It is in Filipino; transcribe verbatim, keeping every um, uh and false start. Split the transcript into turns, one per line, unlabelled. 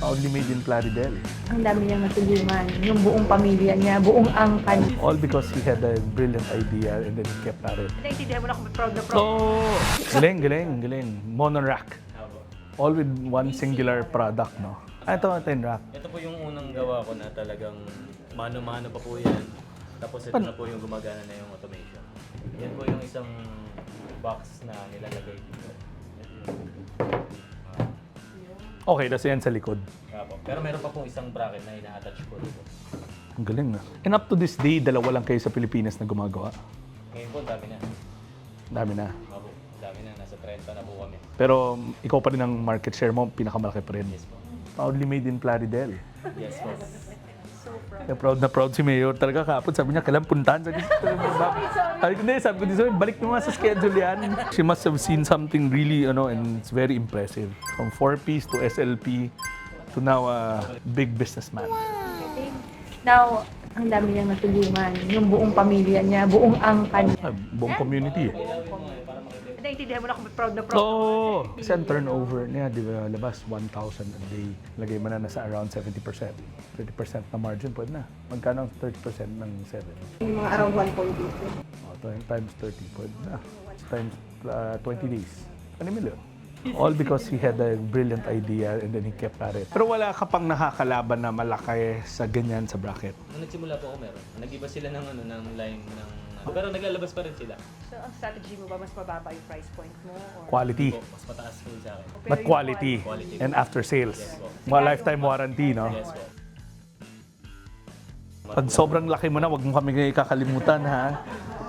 Proudly made in Plaridel.
Ang dami niyang natulungan, yung buong pamilya niya, buong angkan.
All because he had a brilliant idea and then he kept at it.
Naintindihan mo na kung proud na proud.
So, galing, galing, galing. Monorack. All with one singular product, no? Ah, ito, ito yung rack.
Ito po yung unang gawa ko na talagang mano-mano pa po yan. Tapos ito
Pan-
na po yung gumagana na yung automation. Yan po yung isang box na nilalagay dito.
Okay, tas yan sa likod.
Apo. Pero meron pa pong isang bracket na ina-attach po dito.
Ang galing, na. And up to this day, dalawa lang kayo sa Pilipinas na gumagawa.
Ngayon po, dami na.
Dami na.
Apo, dami na. Nasa thirty na po kami.
Pero um, ikaw pa rin ang market share mo, pinakamalaki pa rin.
Yes po.
Proudly made in Plaridel.
Yes po.
Kaya proud na proud si Mayor. Talaga kapon, sabi niya, kailan puntahan? Sabi ko, sabi ko, hindi, sabi ko, "Di, balik mo nga sa schedule yan." She must have seen something really, ano, and it's very impressive. From four-piece to S L P to now a big businessman.
Now, ang dami niyang natulungan, yung buong pamilya niya, buong angkan.
Ah, buong community. eh.
Naintindihan mo na kung proud na proud.
Oo. Kasi ang turnover niya, di ba, labas one thousand a day. Lagay mo na nasa around seventy percent. thirty percent na margin, pwede na. Magkano ang thirty percent ng seven?
Yung mga around one point eight.
Oh, times thirty, pwede na. Times uh, twenty days. Ano million? All because he had a brilliant idea and then he kept at it. Pero wala ka pang nakakalaban na malaki sa ganyan sa bracket.
Nung nagsimula po ako meron. Nag-iba sila ng, ano, ng line ng... Pero naglalabas pa rin sila.
So, ang strategy mo ba, mas mababa yung price point mo? Or...
Quality.
Po, mas mataas po sa akin.
Pero
But
yung
quality.
Quality.
And after sales.
Yes po.
Mga lifetime warranty, no?
Yes po.
Pag sobrang laki mo na, wag mo kami kakalimutan, ha?